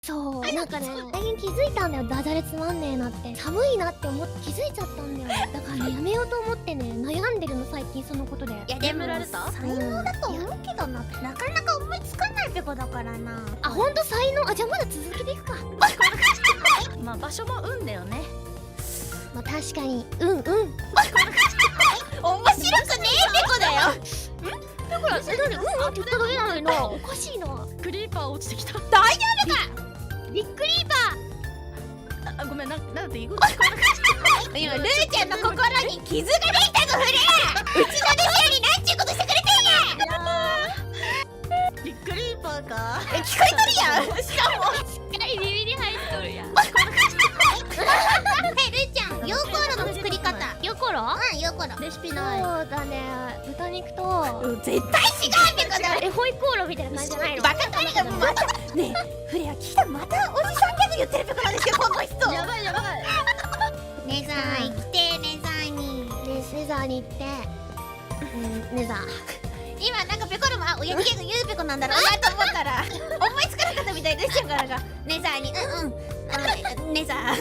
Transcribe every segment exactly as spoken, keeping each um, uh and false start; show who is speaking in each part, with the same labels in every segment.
Speaker 1: そう、なんかね、最近気づいたんだよ、ダジャレつまんねえなって。寒いなって思って気づいちゃったんだよ。だからね、やめようと思ってね、悩んでるの、最近そのことで。
Speaker 2: いやでも才能だと思うけどな、なかなか思いつかないペコだからな。
Speaker 1: あ、ほんと才能。あ、じゃあまだ続けていくか。
Speaker 3: まあ場所も運だよね。
Speaker 1: まあ確かに、うんうん。
Speaker 2: 面白くねえペコだよ。
Speaker 1: だから、え、なんでうんうんって言っただけなのにな。おかしいな。
Speaker 3: クリーパー落ちてきた。
Speaker 2: 大丈夫か。
Speaker 1: ビッグリーパ
Speaker 3: あ、ごめん、な、なんて言う。
Speaker 2: 今ルーちゃんの心に傷ができたぞフレー。うちの弟子よりなんちゅうことしてくれてんや。
Speaker 3: ビッグリーパーか。
Speaker 2: え、聞こえとるやん。しかも
Speaker 1: ー。しっかり耳に入っとるやん。
Speaker 2: え、ルーちゃんヨーコロの作り方。
Speaker 1: ヨコロ？
Speaker 2: うん、ヨーコロ
Speaker 3: レシピ
Speaker 1: そ
Speaker 3: ない。
Speaker 1: うだね、豚肉と、
Speaker 2: 絶対違うペコだ。
Speaker 1: え、ホイコーローみたいな感じじゃないの？
Speaker 2: バカかりがまたねえフレア聞いた。またおじさんギャグ言ってるペコなんですよこの人。
Speaker 3: やばいやばい。
Speaker 2: ネザー来てネザーに。
Speaker 1: ね、ネザーに行って、うん、ネザー。
Speaker 2: 今なんかペコルもあ親父ギャグ言うペコなんだろうなと思ったら思いつかなかったみたいでしたからがネザーにうんうんあネザー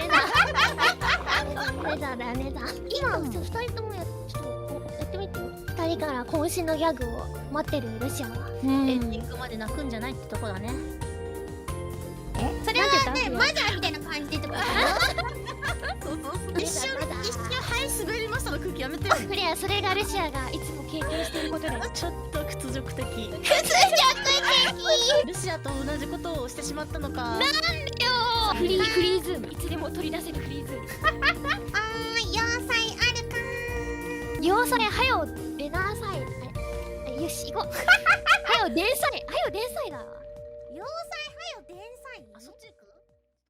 Speaker 1: ネザーだよ、ネザー。今、ふたりともや、ちょっとやってみてよ。ふたりから渾身のギャグを待ってるルシアは。
Speaker 3: エンディングまで泣くんじゃないってとこだね。
Speaker 2: それはねマザーみたいな感じでってことだよ。
Speaker 3: 一瞬一瞬はい滑りましたの空気やめてよ。
Speaker 1: クレア、それがルシアがいつも経験していることだよ。
Speaker 3: ちょっと屈辱的。
Speaker 2: 屈辱
Speaker 3: ルシアと同じことをしてしまったのか。
Speaker 1: フリー、フリーズーム。いつでも取り出せるフリーズーム。
Speaker 2: あー要塞あるか
Speaker 1: 要塞、はよ、出なさい。あれ、よし、行こう。はよ、電災。はよ、電災だ。
Speaker 2: 要塞はよ電災。
Speaker 3: あ、そっち行く？